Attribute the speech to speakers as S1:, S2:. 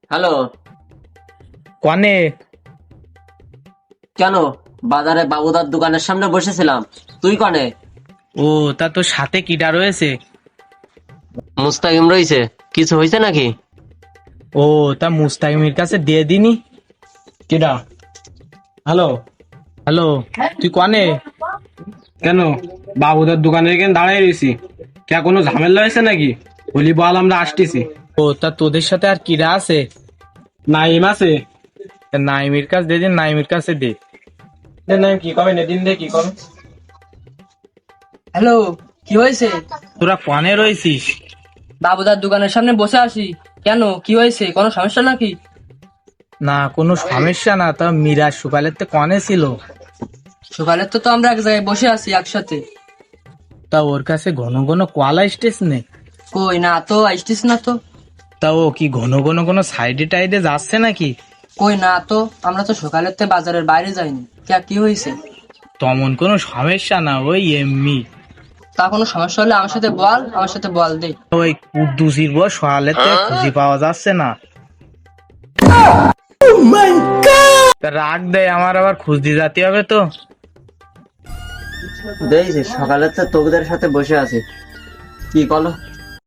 S1: Hello.
S2: কনে?
S1: কেন? বাজারে বাবুদার দোকানের সামনে বসেছিলাম। তুই কনে?
S2: ও, তা তোর সাথে কিডা রয়েছে?
S1: মুস্তাকিম রইছে। কিছু হয়েছে নাকি?
S2: ও, তা মুস্তাকিমের কাছে দিয়ে দিনি।
S3: কেডা? হ্যালো।
S2: হ্যালো, তুই কনে?
S3: কেন? বাবুদার দোকানে এখানে দাঁড়াই রয়েছি। কে কোনো ঝামেলা হয়েছে নাকি? বলি বল, আমরা আসতেছি।
S2: ও, তা তোদের সাথে আর কিডা আছে?
S3: নাইম আছে।
S2: তা নাইমের কাছে দিয়ে দিন, নাইমের কাছে দে।
S3: নাইম কি কবে নেদিন দে কি করো?
S4: হ্যালো, কি হয়েছে?
S2: তোরা কনে রয়েছিস?
S4: বাবুদার দোকানের সামনে বসে আছি। কেন, কি হয়েছে? কোনো সমস্যা নাকি?
S2: না, কোনো সমস্যা না। তা মিরাজ সকালের তে কনে ছিল?
S4: সকালে তো আমরা এক জায়গায় বসে আছি একসাথে।
S2: তা ওর কাছে ঘন ঘন কল আসতেছ নে?
S4: কই না তো, আসতিস না তো।
S2: তা ও কি ঘন ঘন কোনো সাইডে টাইডে যাচ্ছে নাকি?
S4: কই না তো, আমরা তো সকালের তে বাজারের বাইরে যাইনি। কি হয়েছে?
S2: তেমন কোনো সমস্যা না, ওই এমনি।
S4: তা কোনো সমস্যা হলে আমার সাথে বল দে।
S2: ওই কুদ্দুসির বউ সকালের তে খুঁজে পাওয়া যাচ্ছে না। তা রাগ দেয়, আমার আবার খুঁজতে যেতে হবে তো।
S1: দেখছি সকালে তো তোদের সাথে বসে আছি। কি বলো?